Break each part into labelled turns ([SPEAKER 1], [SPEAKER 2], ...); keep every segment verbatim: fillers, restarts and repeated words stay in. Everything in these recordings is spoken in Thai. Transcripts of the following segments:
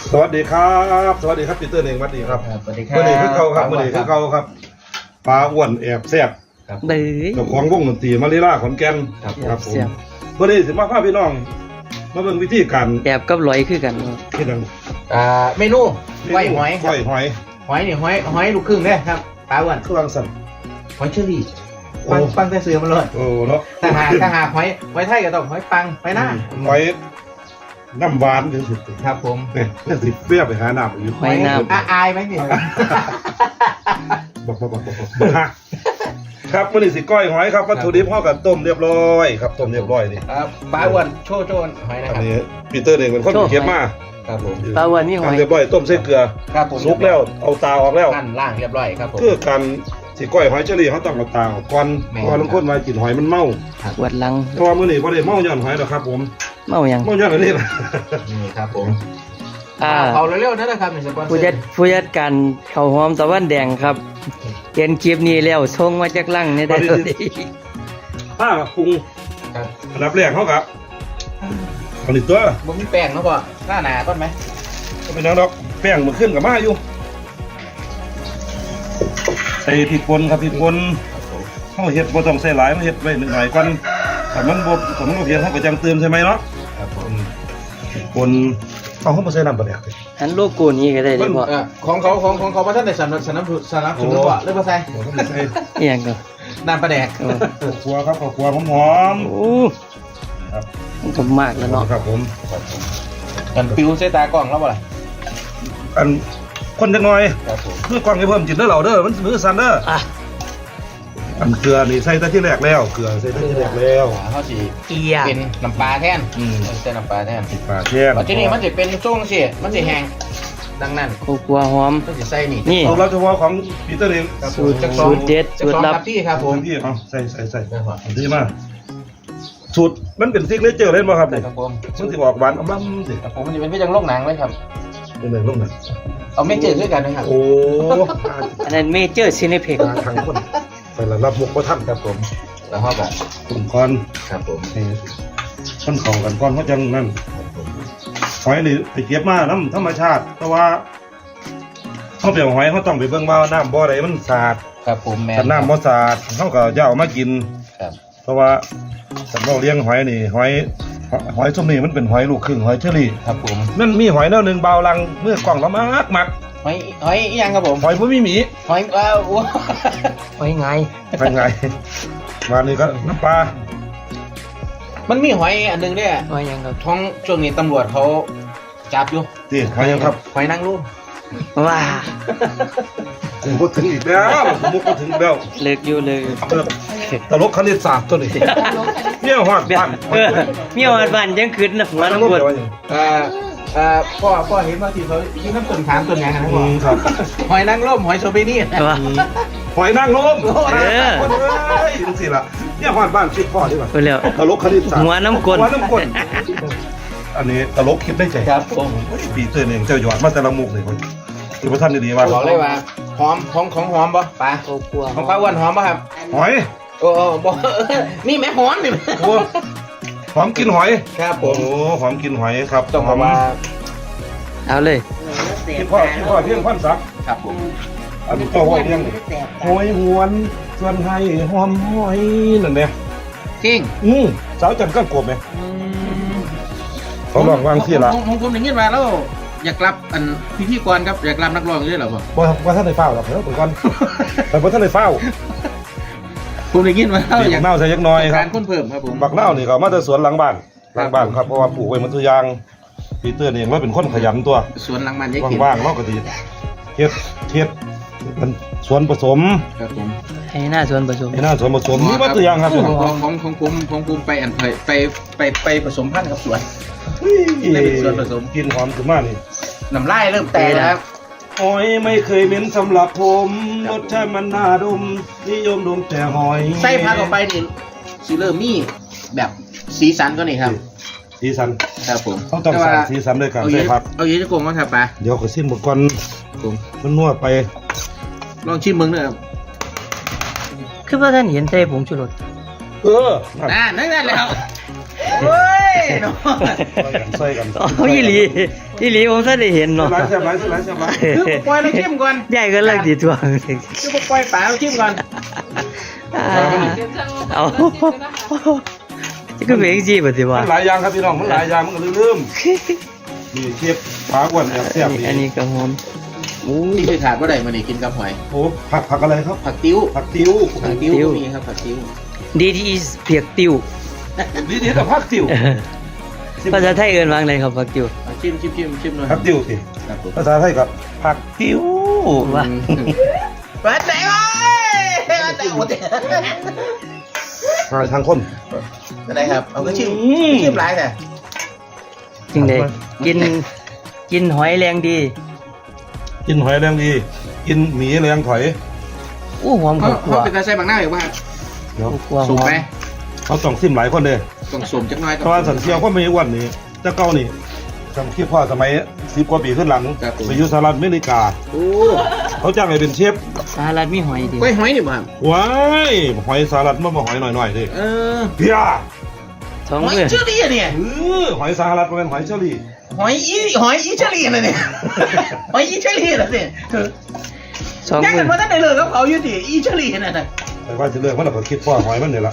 [SPEAKER 1] สวัสดีครับสวัสดีครับปีเตอร์เองสวัสดีครับ
[SPEAKER 2] สวัสดีครั
[SPEAKER 1] เมื่
[SPEAKER 2] บ
[SPEAKER 1] อนี้คือเขาครับเมื่อนี้คือเขาครับปลาอ้วนแอบแซ่บ
[SPEAKER 3] เบ้ย
[SPEAKER 1] เจ้าของวงดนตรีมาริล่าขอนแก่นครับผม
[SPEAKER 3] แซ่บ
[SPEAKER 1] เมื่อนี้สิมาพาพี่น้องมาเบิ่งวิธีการ
[SPEAKER 3] แอบกับลอยคือกัน
[SPEAKER 1] ที่นั่น
[SPEAKER 2] อ่าเมนูไว้หอยค
[SPEAKER 1] ก้
[SPEAKER 2] รับ
[SPEAKER 1] อยหอย
[SPEAKER 2] หอยนี่หอยหอยลูกครึ่งเนี่ยครับปลาอ้วน
[SPEAKER 1] เครื่องสั่น
[SPEAKER 2] หอยเชอรี่
[SPEAKER 1] โอ้
[SPEAKER 2] ปังปังแต่เสือมันเลย
[SPEAKER 1] โอ้เนาะ
[SPEAKER 2] ถ้าหาถ้าหาหอยหอยไทยก็ต้องหอยปังหอยหน้า
[SPEAKER 1] หอยน้ำหวานถึงสุด
[SPEAKER 2] ครับผม
[SPEAKER 1] เนี่ยเนี่ยสิเปรี้ยวไปหาน้ำอยู่
[SPEAKER 3] หอยน้ำ
[SPEAKER 2] อาอายไหมเนี่ย
[SPEAKER 1] บอกบอกบอกบอกบอกฮะครับมื่อนี้สิก้อยหอยครับวัตถุดิบห่อกับต้มเรียบร้อยครับต้มเรียบร้อยนี่
[SPEAKER 2] ครับปลาอ้วนโชว์โชว์หอยนะ
[SPEAKER 1] อัน
[SPEAKER 2] ครับ
[SPEAKER 1] นี้ปีเตอร์เองเป็นคนเก็บมา
[SPEAKER 2] ครับผม
[SPEAKER 3] ปลาวันนี่หอย
[SPEAKER 1] ทำเรียบร้อยต้มใส่เกลือ
[SPEAKER 2] ครับผม
[SPEAKER 1] สุกแล้วเอาตาออกแล้ว
[SPEAKER 2] นั่นล่างเรียบร้อยครับผม
[SPEAKER 1] คือการสิก้อยหอยเชอรี่เขาต้องเอาตาออกก่อน
[SPEAKER 2] แม่น
[SPEAKER 1] เพราะว่าบางคนมากินหอยมันเมา
[SPEAKER 3] ปวดหลัง
[SPEAKER 1] เพราะว่ามื้อนี้บ่ได้เมาย้อนหอยหรอกครับผม
[SPEAKER 3] เมายัง
[SPEAKER 1] เมาย้อนอันนี้ล่ะ
[SPEAKER 2] นี่ครับผม
[SPEAKER 3] อ่า
[SPEAKER 2] เขาเร็วๆนะครับนี่สปอนเซอ
[SPEAKER 3] ผู้จัด
[SPEAKER 2] ร์
[SPEAKER 3] ผู้จัดการข้าวหอมตะวันแดงครับเห็นคลิปนี้แล้วส่งมาจากลังนี่ได้เลย
[SPEAKER 1] ถ้าปรุง
[SPEAKER 2] ครับ
[SPEAKER 1] อันดับแรกเขาครับอันนี้ตัว
[SPEAKER 2] มึงมีแป้งเนาะพ่อหน้าหนาต้นไหม
[SPEAKER 1] ก็เป็นหยังดอกแป้งมันขึ้นกับมาอยู่ใส่พริกป่นครับพริกป่น
[SPEAKER 2] ครับผม
[SPEAKER 1] เขาเฮ็ดบ่ต้องใส่หลายมันเฮ็ดไว้หน่อยก่อนถ้ามันบ่ถ้ามันบ่เพียงเขาก็จังเติมใช่ไหมเนาะ
[SPEAKER 2] ครับผม
[SPEAKER 1] คนเอาเขาบ่ใส่น้ำปลาแดกดิ
[SPEAKER 3] อันโลโก้นี้ก็ได้เลยพ่อ
[SPEAKER 2] เอ่อของเขาของของเขาพระท่านได้สนับสนับสนับสนุนว่าเรื่องภาษา
[SPEAKER 1] บ่ต้องใส่
[SPEAKER 3] เอียงก็
[SPEAKER 2] น้ำปลาแดก
[SPEAKER 3] เออ
[SPEAKER 1] ข้าวคั่วครับข้าวคั่วหอม
[SPEAKER 3] โอ้
[SPEAKER 1] ๆครับ
[SPEAKER 3] มันก็มากแล้วเนาะ
[SPEAKER 1] ครับผม
[SPEAKER 2] กันปิวใส่ตากล้องแล้วบ่ล่ะ
[SPEAKER 1] อันคนจังหน่อย
[SPEAKER 2] ครับผม
[SPEAKER 1] มือกล้องให้เพิ่มจิตเด้อเราเด้อมันมือสั่นเด้อ
[SPEAKER 3] อ่ะ
[SPEAKER 1] อันเกลือนี่ใส่แต่ที่แรกแล้วเกลือใส่แต่ที่แรกแล้ว
[SPEAKER 2] เขาสิ
[SPEAKER 3] เกีย
[SPEAKER 2] เป็นน้ำปลาแทน
[SPEAKER 1] อืม
[SPEAKER 2] ใส่น้ำปลาแทน
[SPEAKER 1] ติดปลาแช่
[SPEAKER 2] ปัจจุบันมันจะเป็นช่วงสิมันจะแห้งดังนั้น
[SPEAKER 3] ข้าวคั่วหอม
[SPEAKER 2] มันจะใส่นี่
[SPEAKER 3] นี่
[SPEAKER 1] สูตรลับเฉพาะของปีเตอร์เอง
[SPEAKER 2] ครับ
[SPEAKER 3] สูตร
[SPEAKER 2] จัก
[SPEAKER 3] สูตรเด็ด
[SPEAKER 2] จัก
[SPEAKER 3] สูตร
[SPEAKER 2] สอง
[SPEAKER 3] ลับ
[SPEAKER 2] ครับพี่ครับผม
[SPEAKER 1] พี่เอาใส่ใส่ใส่
[SPEAKER 2] ครับผม
[SPEAKER 1] อันที่มาสูตรมันเป็นซิกเนเจอร์เลยบ่ครับนี่
[SPEAKER 2] ครับผม
[SPEAKER 1] มันสิออกหวานอมล้ำสิ
[SPEAKER 2] ครับผมมันจะเป็นพี่จังโลกหนังเลยครับ
[SPEAKER 1] เป็นเลยลงนั่น
[SPEAKER 2] เอาไม่จืดด้วยกันนะครับ
[SPEAKER 1] โอ้
[SPEAKER 3] อันนั้นเมเจอร์ซินิเพ็ก
[SPEAKER 1] ตาทางคนไปละรับมุกบ่ทัน
[SPEAKER 2] ครับผมแล้วเขาแบบ
[SPEAKER 1] ตุ่มก่อน
[SPEAKER 2] ครับผม
[SPEAKER 1] ให้คนเข้ากันก่อนเขาจังนั่น
[SPEAKER 2] ครับผม
[SPEAKER 1] หอยนี่ไปเก็บมาน้ำธรรมชาติ แต่ว่าเขาไปเอาหอยเขาต้องไปเบิ่งว่าน้ำบ่อใดมันสะอาด
[SPEAKER 2] ครับผมแมน
[SPEAKER 1] ถ้าน้ำบ่สะอาดเขาก็จะเอามากิน
[SPEAKER 2] ครับ
[SPEAKER 1] เพราะว่าสำหรับเลี้ยงหอยนี่หอยหอยส้มนี่มันเป็นหอยลูกครึ่งหอยเชอรี่
[SPEAKER 2] ครับผม
[SPEAKER 1] นั่นมีหอยแนวหนึ่งเบาลังเมื่อกล่องละมากมัก
[SPEAKER 2] หอยหอยอีหยังครับผม
[SPEAKER 1] หอยผู้มีหมี
[SPEAKER 2] หอยอ้าว
[SPEAKER 3] หอยไง
[SPEAKER 1] ไปไงมานี่ก็น้ำปลา
[SPEAKER 2] มันมีหอยอันหนึงเนี่ย
[SPEAKER 3] หอยยังครับ
[SPEAKER 2] ท้องช่วงนี้ตำรวจเขาจับอยู่
[SPEAKER 1] ตีหอยยังครับ
[SPEAKER 2] หอยนางรม
[SPEAKER 3] ว้า
[SPEAKER 1] ผมก็ถึงอีกแล้วผมก็ถึงอีกแล้ว
[SPEAKER 3] เลิกอยู่เลย
[SPEAKER 1] เออตลกคณิตศาสตร์ตัวนี้เนี่ยหอด
[SPEAKER 3] เบี้ย
[SPEAKER 1] บ้าน
[SPEAKER 3] เออมีหอดบ้านยังขึ้นนะหัวน้ำปวด
[SPEAKER 2] เอ่อเอ่อพ่อพ่อเห็นว่าที่เขาที่น้ำตุ่นถามตุ่นไงครับ
[SPEAKER 1] อื
[SPEAKER 2] พ่อ
[SPEAKER 1] มครับ
[SPEAKER 2] หอยนางรมหอยโซเบนี่
[SPEAKER 3] ว่า
[SPEAKER 1] หอยนางรม
[SPEAKER 3] เออ
[SPEAKER 1] คนเอ้ยจังสิล่ะเนี่ยหอดบ้านคิดพ่อดีกว่า
[SPEAKER 3] ไปแล้ว
[SPEAKER 1] ตลกคณิตศาสตร์
[SPEAKER 3] หัวน้ำกล
[SPEAKER 1] หัวน้ำกลอันนี้ตลกคิดได้ใจ
[SPEAKER 2] ครับผม
[SPEAKER 1] ปีเตอร์เองเจ้าหยอดมาแต่ละมุกเลยคนคือพระท่านดีๆว่า
[SPEAKER 2] บอกเลยว่าหอมของของหอมปะปลา
[SPEAKER 3] ข้าวคั่ว
[SPEAKER 2] ของปลาอ้วนหอมปะครับ
[SPEAKER 1] หอย
[SPEAKER 2] โอ้โอ้บอกนี่แม่หอมนี่
[SPEAKER 1] โอ้หอมกินหอย
[SPEAKER 2] ครับผ
[SPEAKER 1] โอ้
[SPEAKER 2] ม
[SPEAKER 1] หอมกินหอยครับ
[SPEAKER 2] ต้องบอกว่า
[SPEAKER 3] เอาเลย
[SPEAKER 1] พี่พ่อพี่พ่อเพียงพันศักดิ์
[SPEAKER 2] ครับผม
[SPEAKER 1] อันนี้ตัวหอยเลี้ยงหอยหวนส่วนไห้หอมหอยนั่นเนี่ย
[SPEAKER 2] กิ้ง
[SPEAKER 1] อืมสาวจันทร์ก้านกบไหมเขาลองวางที่ละ
[SPEAKER 2] ผมผมผมอย่างนี้มาแล้วอยากรับอันพิธีกรครับอยากรับนักร้องด้วยเหรอพ่อ
[SPEAKER 1] ว่าว่าท่านในเฝ้าหรอกเดี๋ยวก่อนแต่ว่าท่านในเฝ้า
[SPEAKER 2] ผมอย่างนี้มาแล้ว
[SPEAKER 1] ปี
[SPEAKER 2] อยาก
[SPEAKER 1] กเน่าใส่ยักน้อยครั
[SPEAKER 2] กา
[SPEAKER 1] บ
[SPEAKER 2] รค้นเพิ่มครับผม
[SPEAKER 1] บักเน่านี่เขามาแต่สวนหลังบ้านหลังบ้านครับเพราะว่าปลูกไว้มันตัวยางปีเตอร์นี่ว่าเป็นคนขยันตัว
[SPEAKER 2] สวนหลังมันยักษ์
[SPEAKER 1] ว่างๆเราก็ดีเฮ็ดเฮ็ดมันสวนผสม
[SPEAKER 2] ครับผม
[SPEAKER 3] ให้หน้าส่วนผสม
[SPEAKER 1] ไอ้หน้าสวนผสมนี่ว่าตัวอย่างครับ
[SPEAKER 2] ของของของของผมของผมไปอันไปไปไปไปผสมพันธุ์กับสวน ได้เป็นส่วนผสม
[SPEAKER 1] กินหอมขึ้นมานี่
[SPEAKER 2] น้ำลายเริ่มแตกแล้วครับ
[SPEAKER 1] หอยไม่เคยเหม็นสำหรับผมรสชาติมันน่าดมนิยมดมแต่หอย
[SPEAKER 2] ไส้พักออกไปนี่สีเริ่มมีแบบสีสันก็นี่ครับ
[SPEAKER 1] สีสัน
[SPEAKER 2] ครับผม
[SPEAKER 1] เขาต้องสั่งสีสันด้วยกัน
[SPEAKER 2] เอา
[SPEAKER 1] ใช่
[SPEAKER 2] เย
[SPEAKER 1] ครับ
[SPEAKER 2] เอาเยอะจะโกงมั้งครับปลา
[SPEAKER 1] เดี๋ยวขอซิมหมดก่อน
[SPEAKER 2] ผม
[SPEAKER 1] มันนวดไป
[SPEAKER 2] ลองชิมมึงด้วยครับ
[SPEAKER 3] คือว่าท่านเห็นใจผงชูรส
[SPEAKER 1] เออนั่น
[SPEAKER 2] อ่านั่นนั่นแหละครับเฮ้ยเนาะ
[SPEAKER 1] ใส่กัน
[SPEAKER 3] อ๋ออีหลีอีหลีผมท่านได้เห็นเนาะ
[SPEAKER 1] หลายแซ่บหลายแซ่บหลายแซ่บหลาย
[SPEAKER 2] คือปล่อยเราชิมก่อน
[SPEAKER 3] ใหญ่ก็เลิกดีทวง
[SPEAKER 2] คือปล่อยป๋าเราชิมก่อน
[SPEAKER 3] อ่าเอาจะก็เป็นจีบสิวะ
[SPEAKER 1] มันหลายอย่างครับพี่น้องมันหลายอย่างมันก็ลืมๆนี่เชฟปลาอ้วนแอบแซ่บดี
[SPEAKER 3] อันนี้ก็หอม
[SPEAKER 2] อู้นี่คือขาดว่าใดมานี่กินกับหอย
[SPEAKER 1] โอ้ผักผักอะไรครับ
[SPEAKER 2] ผักติ้ว
[SPEAKER 1] ผักติ้ว
[SPEAKER 2] ผักติ้วก็มีครับผักติ้ว
[SPEAKER 3] ดีดีเพียกติว
[SPEAKER 1] ดีดีแต่ผักติ้ว
[SPEAKER 3] ภาษาไทยเอิ้นว่าไงครับผักติว
[SPEAKER 2] เอาชิมชิมชิมชิมหน่อย
[SPEAKER 1] ผักติ้วสิ
[SPEAKER 2] ครับผม
[SPEAKER 1] ภาษาไทยกับผักติ้ว
[SPEAKER 3] ว่า
[SPEAKER 2] เปิดใจไว้เปิดใจหมดเลย
[SPEAKER 1] ทางทางคน
[SPEAKER 2] อะไรครับเอาก็ชิมชิมหลายแต่
[SPEAKER 3] จริงเลยกินกินหอยแรงดี
[SPEAKER 1] กินหอยแรงดี กินหมีแรงถอย
[SPEAKER 3] อู้หอม
[SPEAKER 2] เขา
[SPEAKER 3] กว่า
[SPEAKER 2] เขาเป็นตาใส่บางหน้าอยู่ป่ะ
[SPEAKER 1] เดี๋ยว
[SPEAKER 3] กว่าห
[SPEAKER 2] สุ่ม
[SPEAKER 3] อม
[SPEAKER 2] ไหม
[SPEAKER 1] เขาต้องซิมหลายคนเลย
[SPEAKER 2] ต้องสุ่มจักหน้อย
[SPEAKER 1] เพราะว่าสันเชียวก็ไม่อ้วนนี่เจ้าเก่านี่จำคิดพ่อสมัยสิบกว่าปีขึ้นหลังไปอยู่สหรัฐอเมริกา
[SPEAKER 2] โอ้
[SPEAKER 1] เขาจ้างให้เป็นเชฟ
[SPEAKER 3] สหรัฐมีหอยดี
[SPEAKER 2] กล้วยหอยนี่ป่ะ
[SPEAKER 1] ว้ายหอยสหรัฐมันมาหอยหน่อยๆดิ
[SPEAKER 2] เออ
[SPEAKER 1] เพีย
[SPEAKER 3] สอง
[SPEAKER 2] หอย
[SPEAKER 3] มือ
[SPEAKER 2] เชอรี่เนี่ย
[SPEAKER 1] เออหอยสหรัฐมันเป็นหอยเชอรี่
[SPEAKER 2] หอยอีหอยอีเชอรี่นะเนี่ยหอยอีเชอรี่นะเนี่ย
[SPEAKER 3] สอง
[SPEAKER 2] ยัง
[SPEAKER 3] มื
[SPEAKER 2] กั
[SPEAKER 3] อน
[SPEAKER 2] มาตั้งแต่เลยกับเขาอยู่ดิอีเชอรี่นั่นน่ะ
[SPEAKER 1] แต่ว่าจะเลือกมันเราก็คิดว่าหอยมันนี่ละ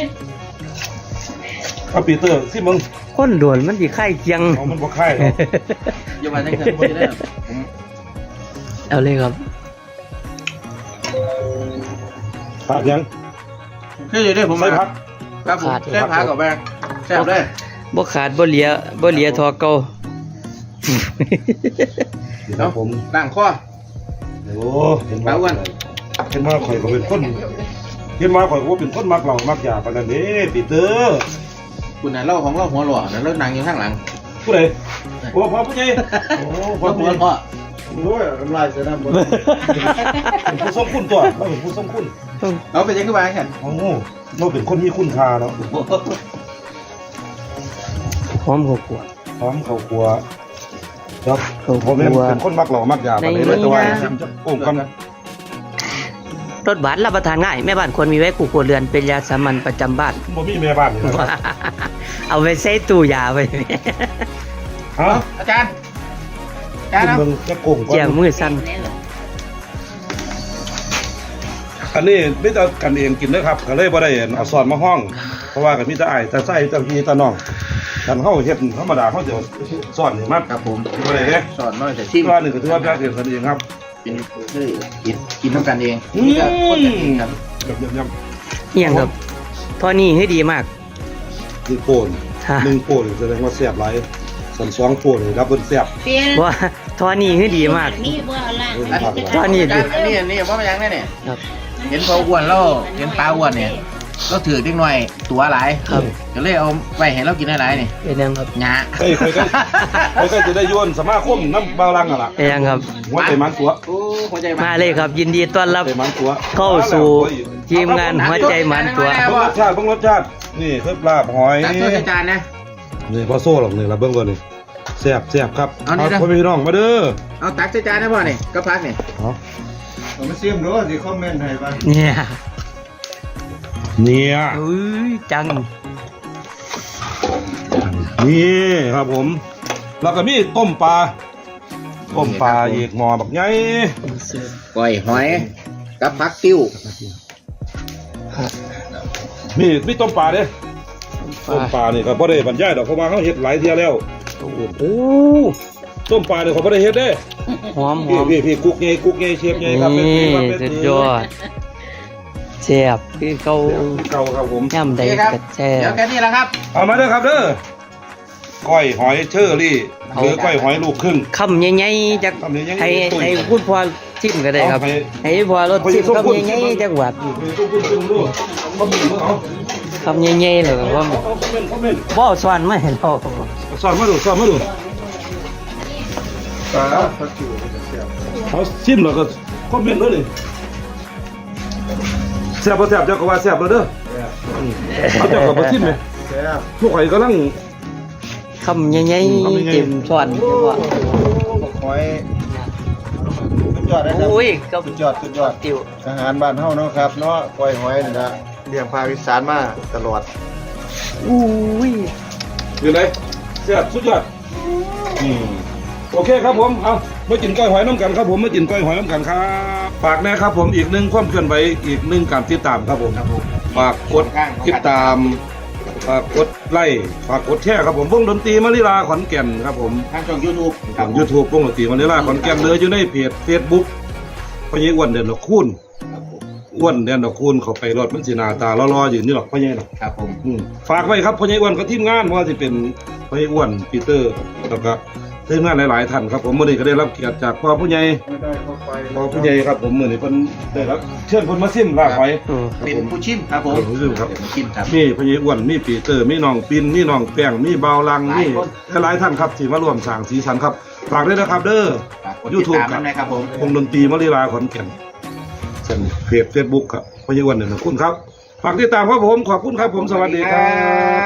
[SPEAKER 1] เอาปีเตอร์สิมึง
[SPEAKER 3] คนโดนมันสิไข่เคียง
[SPEAKER 1] เอามันบ่ค่ายหรอก
[SPEAKER 2] อย่ามาตั้งแต่ผมจะได้ผม
[SPEAKER 3] เอาเลยครับ
[SPEAKER 1] ขาดยัง
[SPEAKER 2] คืออยู่ด้วยผม
[SPEAKER 1] ใส่พัก
[SPEAKER 2] ครับผมใส่พักกับแบงแซ่บเลย
[SPEAKER 3] บ่ขาดบ่เหลียบ่เหลียทอเก่า
[SPEAKER 1] นี่ครับผม
[SPEAKER 2] ล้างข้อ
[SPEAKER 1] โอ้เห็น
[SPEAKER 2] ปลาอ้วน
[SPEAKER 1] เห็นว่าข่อยก็เป็นคนเห็นว่าข่อยก็เป็นคนมักเหล้ามักยาปานนั้นเด้ปีเตอร์
[SPEAKER 2] คุณน่ะเล่าของเราหัวหล่อนะเล่านั่งอยู่ข้างหลัง
[SPEAKER 1] ผู้ใดโอ้พ่อผู้ใหญ่โอ้พ่อ
[SPEAKER 2] เรา
[SPEAKER 1] ผู้
[SPEAKER 2] หั
[SPEAKER 1] ให
[SPEAKER 2] ว
[SPEAKER 1] ญ่
[SPEAKER 2] หล่อ
[SPEAKER 1] โอ้ยน้ำลายเสียน้ำบ่เป็นผู้ทรงคุณตัวเราเป็นผู้ทรงคุณ
[SPEAKER 2] เอาไปยังขึ้นมากัน
[SPEAKER 1] โอ้เราเป็นคนมีคุณค่าเนาะ
[SPEAKER 3] หอมกว่า
[SPEAKER 1] พร้อมเข้าครัวครับ
[SPEAKER 3] เข้าครัว
[SPEAKER 1] ผมเป็นคนมักเหล้ามักยาปานนี้เลยแต่ว่าซิมจะโอ้มกัน
[SPEAKER 3] รสหวานรับประทานง่ายแม่บ้านควรมีไว้คู่ครัวเรือนเป็นยาสามัญประจำบ้าน
[SPEAKER 1] บ่มีแม่บ้านนี่นะครับ
[SPEAKER 3] เอาไว้ใส่ตู้ยาไว้
[SPEAKER 1] ฮะ
[SPEAKER 2] อาจารย์อาจารย์
[SPEAKER 1] คุณ
[SPEAKER 2] เอา
[SPEAKER 1] เบิ่งจะโกงก่อ
[SPEAKER 3] เจียง
[SPEAKER 1] น
[SPEAKER 3] มือสั้น
[SPEAKER 1] อันนี้ไม่แต่กันเองกินนะครับก็เลยบ่ได้เอาซอสมาห้อง เพราะว่าก็มีแต่อ้ายแต่ไส้แต่พี่แต่น้องกันเฮาเฮ็ดธรรมดาเฮาจะซอสนี่มา
[SPEAKER 2] ครับผม
[SPEAKER 1] บ่ได้เด้
[SPEAKER 2] สอนน้อยแต่
[SPEAKER 1] ที่
[SPEAKER 2] ชิม
[SPEAKER 1] ว่านี่ก็ถือว่าเป็นเองกันเองครับ
[SPEAKER 2] เป็นคือกินกินน้ำกันเอง
[SPEAKER 1] อืม
[SPEAKER 2] นี่ก็คนกันเองครับ
[SPEAKER 1] กับยำ
[SPEAKER 3] เอียงครับทอนี่ให้ดีมาก
[SPEAKER 1] ๆคือโป่น
[SPEAKER 3] ฮะ
[SPEAKER 1] หนึ่งโป่นแสดงว่าแซ่บหลายสันสองโป่นนี่รับเพิ่นแซ่บ
[SPEAKER 4] เปลี่ยน
[SPEAKER 3] ว่าทอนี่ให้ดีมาก
[SPEAKER 4] นี่บ่เอาล่ะ
[SPEAKER 3] ตอนนี้
[SPEAKER 2] อาจารย์อันนี้อันนี้ว่ามันยังไงเนี่ย
[SPEAKER 3] ครับ
[SPEAKER 2] เห็นปลาอ้วนแล้วเห็นปลาอ้วนเนี่ยก็ถือเล็กหน่อยตัวหลาย
[SPEAKER 3] ครับ
[SPEAKER 2] ก็เลยเอาไว้ให้เรากินหลายๆนี่
[SPEAKER 3] เป็นยังครับ
[SPEAKER 2] หยา
[SPEAKER 1] เฮ้ยค่อยก็ค่อยก็จะได้โยนสมาคมน้ำบาวรังอ่ะล่ะ
[SPEAKER 3] เป็นยังครับ
[SPEAKER 1] หัวใจมันตัว
[SPEAKER 2] โอ้หัวใจ
[SPEAKER 3] มาเลยครับ ยินดีต้อนรับ
[SPEAKER 1] ใจมันตัว
[SPEAKER 3] เข้าสู่ทีมงานหัวใจหมันตัว
[SPEAKER 1] เบิ่งรสชาติเบิ่งรสชาตินี่เพิ่มลาบหอย
[SPEAKER 2] ตักถ้วยใส่จานนะ
[SPEAKER 1] นี่พอโซ่หรอกนี่ละเบิ่งก่อนนี่แซ่บแซ่บครับ
[SPEAKER 2] เอานี่นะ
[SPEAKER 1] พ่อพี่น้องมาเด้อ
[SPEAKER 2] เอาตักใส่จานนะพ่อนี่ก็พักนี่
[SPEAKER 1] เอา
[SPEAKER 5] ผมมาซิมดูสิคอมเมนต์ให้บ้าง
[SPEAKER 3] เนี่ย
[SPEAKER 1] เนี่ย
[SPEAKER 3] อุ้ยจัง
[SPEAKER 1] นี่ครับผม แล้วก็มีต้มปลาต้มปลาอีกหม้อบักใหญ่
[SPEAKER 2] ก้อยหอยกับผักติ้ว
[SPEAKER 1] มีมีต้มปลาเด้ต้มปลานี่ก็บ่ได้บรรยายดอกเพราะว่าเขาเฮ็ดหลายเที่ยแล้ว
[SPEAKER 3] โอ้โห
[SPEAKER 1] ต้มปลาเนี่ยเขาบ่ได้เฮ็ดเด้
[SPEAKER 3] หอมห
[SPEAKER 1] พี่
[SPEAKER 3] อม
[SPEAKER 1] พี่พี่กุ๊กใหญ่กุ๊กใหญ่เชฟใหญ่ครับเป็น
[SPEAKER 3] นี่
[SPEAKER 1] เป็นเป็น
[SPEAKER 3] สุดยอดแซ่บคือเขา
[SPEAKER 1] เก่าครับผม
[SPEAKER 3] ย่ำใด
[SPEAKER 2] นี่ครับ
[SPEAKER 3] ก็แซ่
[SPEAKER 2] เดี๋ยว
[SPEAKER 3] บ
[SPEAKER 2] แค่นี้แหละครับ
[SPEAKER 1] เอามาเด้อครับเด้อก้อยหอยเชอรี่หรือก้อยหอยลูกครึ่ง
[SPEAKER 3] คำใหญ่ๆจาก
[SPEAKER 1] คำใหญ่ๆ
[SPEAKER 3] ให้
[SPEAKER 1] ตุ้ย
[SPEAKER 3] ให้พูดพอชิมก็ได้ครับ
[SPEAKER 1] เอาให้
[SPEAKER 3] ให้พอรสชิม
[SPEAKER 1] เอาให้
[SPEAKER 3] คำ
[SPEAKER 1] ส้ม
[SPEAKER 3] ใหญ่
[SPEAKER 1] พูด
[SPEAKER 3] ๆจากหวัด
[SPEAKER 1] ตุ้มตุ้มตุ้มดูเขามีมือเอา
[SPEAKER 3] คำใหญ่ๆเลยว่า
[SPEAKER 1] เอาคอมเมนต์คอมเมนต์
[SPEAKER 3] บ่สอนมาให้เรา
[SPEAKER 1] สอนมาดูสอนมาดู
[SPEAKER 5] ปลาผักจิ๋วเสียบ
[SPEAKER 1] เขาชิมแล้วก็คอมเมนต์เลยนี่แซ่บบ่แซ่บเจ้าก็ว่าแซ่บแล้วเด้ออืมเอาเจ้าก็บ่ชิมไหม
[SPEAKER 5] แซ่บ
[SPEAKER 1] พวกข่อยกำลัง
[SPEAKER 3] คำใหญ่
[SPEAKER 1] คำใหญ่
[SPEAKER 3] ๆ
[SPEAKER 1] ๆ
[SPEAKER 3] เต็มช้อนจังหวะ
[SPEAKER 5] หอยสุดยอดนะครับ
[SPEAKER 3] โอ้ยก็
[SPEAKER 5] สุดยอดสุดยอด
[SPEAKER 3] ติว
[SPEAKER 5] อาหารบ้านเฮาเนาะครับเนาะกล้วยหอยนี่ละเลี้ยงภาคอีสานมาตลอด
[SPEAKER 3] อุ้ย
[SPEAKER 1] อยู่เลยเสียบสุดยอดอืมโอเคครับผมเอามากินก้อยหอยน้ำกันครับผมมากินก้อยหอยน้ำกันครับฝากแน่ครับผมอีกหนึ่งความเคลื่อนไหวอีกหนึ่งการติดตามครับผม
[SPEAKER 2] ครับผม
[SPEAKER 1] ฝากกดติดตามฝากกดไลค์ฝากกดแชร์ครับผมวงดนตรีมาริลาขอนแก่นครับผม
[SPEAKER 2] ทางช่องยูทูบ
[SPEAKER 1] ทางยูทูบวงดนตรีมาริลาขอนแก่นเลยอยู่ในเพจเฟซบุ๊กพ่อใหญ่อ้วนเด่นดอกคูณอ้วนเด่นดอกคูณเขาไปรถมันสีหน้าตาล่อๆอยู่นี่หรอกพ่อใหญ่หรอก
[SPEAKER 2] ครับผม
[SPEAKER 1] อืมฝากไว้ครับพ่อใหญ่อ้วนกับทีมงานว่าจะเป็นพ่อใหญ่อ้วนปีเตอร์แล้วก็ทีมงานหลายๆท่านครับผมมื้อนี้ก็ได้รับเกียรติจากพ่อผู้ใหญ่
[SPEAKER 5] ไม่ได้เข้าไป
[SPEAKER 1] พ่อผู้ใหญ่ครับผมมื้อนี้เพิ่นได้รับเชิญเพิ่นมาซิมลาบหอย
[SPEAKER 3] โอ้
[SPEAKER 2] เป็นผู้ชิมครับผม
[SPEAKER 1] เป็นผู้ชิมครับ
[SPEAKER 2] เป็นผู้ชิมครับ
[SPEAKER 1] มีพ่อใหญ่อ้วนมีปีเตอร์มีน้องปินมีน้องแป้งมีเบาวลัง
[SPEAKER 2] หลาย
[SPEAKER 1] มี
[SPEAKER 2] คน
[SPEAKER 1] หลายๆท่านครับที่มาร่วมสร้างสีสันครับฝากด้วยนะครับเด้อ
[SPEAKER 2] ฝากกด
[SPEAKER 1] ยู
[SPEAKER 2] ติด
[SPEAKER 1] ทูบ
[SPEAKER 2] ตาม
[SPEAKER 1] ครั
[SPEAKER 2] นั่
[SPEAKER 1] บ
[SPEAKER 2] นนะครับผม
[SPEAKER 1] วงดนตรีมะลิลาขอนแก่นเส้นเพจเฟซบุ๊กครับพ่อใหญ่อ้วนเด่นดอกคูณครับฝากติดตามครับผมขอบคุณครับผมสวัสดีครับ